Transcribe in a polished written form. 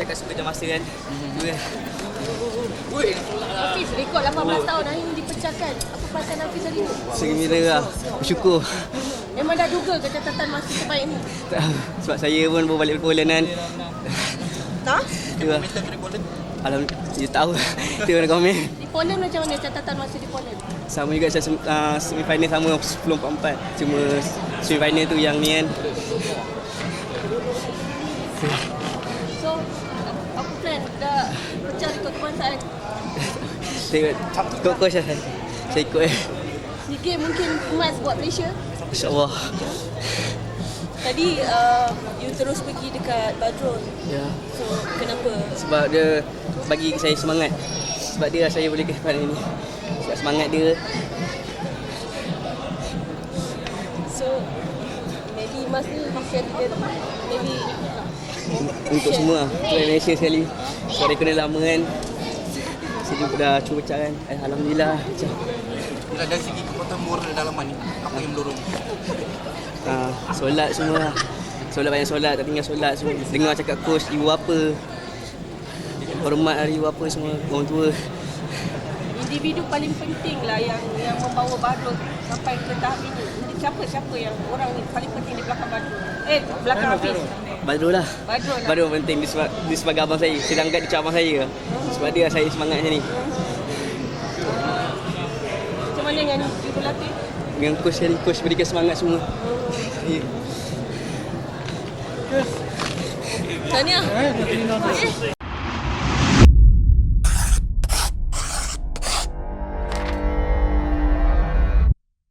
cakap suka jam masa kan. Hafiz rekod 18 tahun hari ini dipecahkan. Apa perasaan Hafiz hari ini? Segembira lah. Bersyukur. Memang dah duga ke catatan masa terbaik ni? Sebab saya pun baru balik dari Poland kan. Tak? Itu lah. Alhamdulillah. Dia tahu. Dia nak komen. Di Poland macam mana catatan masa di Poland? Sama juga saya semi-final sama 10.44. Cuma semi-final tu yang ni kan. So, apa plan? Dah pecah rekod kebangsaan? Saya ikut coach lah. Saya ikut Ni game mungkin emas buat Malaysia? InsyaAllah. Tadi you terus pergi dekat Badrul. Ya. So, kenapa? Sebab dia bagi saya semangat. Sebab dia saya boleh ke depan ini. Sebab semangat dia. So, maybe emas ni share together. Maybe Untuk semua. Untuk Malaysia sekali. Sebab dia kena lama kan. Saya juga dah cuba pecah kan. Alhamdulillah pecah. Dari segi kekuatan moral dalaman ni, apa yang mendorong? Solat semua. Solat banyak solat, tak tinggal solat semua. Dengar cakap coach, ibu apa. Hormat hari ibu apa semua, orang tua. individu paling penting lah yang membawa Badrul sampai ke tahap ini. Siapa yang orang ni paling penting di belakang Badrul? Belakang Hafiz. Badrul lah. Badrul lah. Badrul penting dia sebagai abang saya. Saya anggap dia macam abang saya. Sebab dia saya semangat macam ni. Macam mana dengan ibu latih? Dengan coach sekali, coach berikan semangat semua. Ya. Tahniah.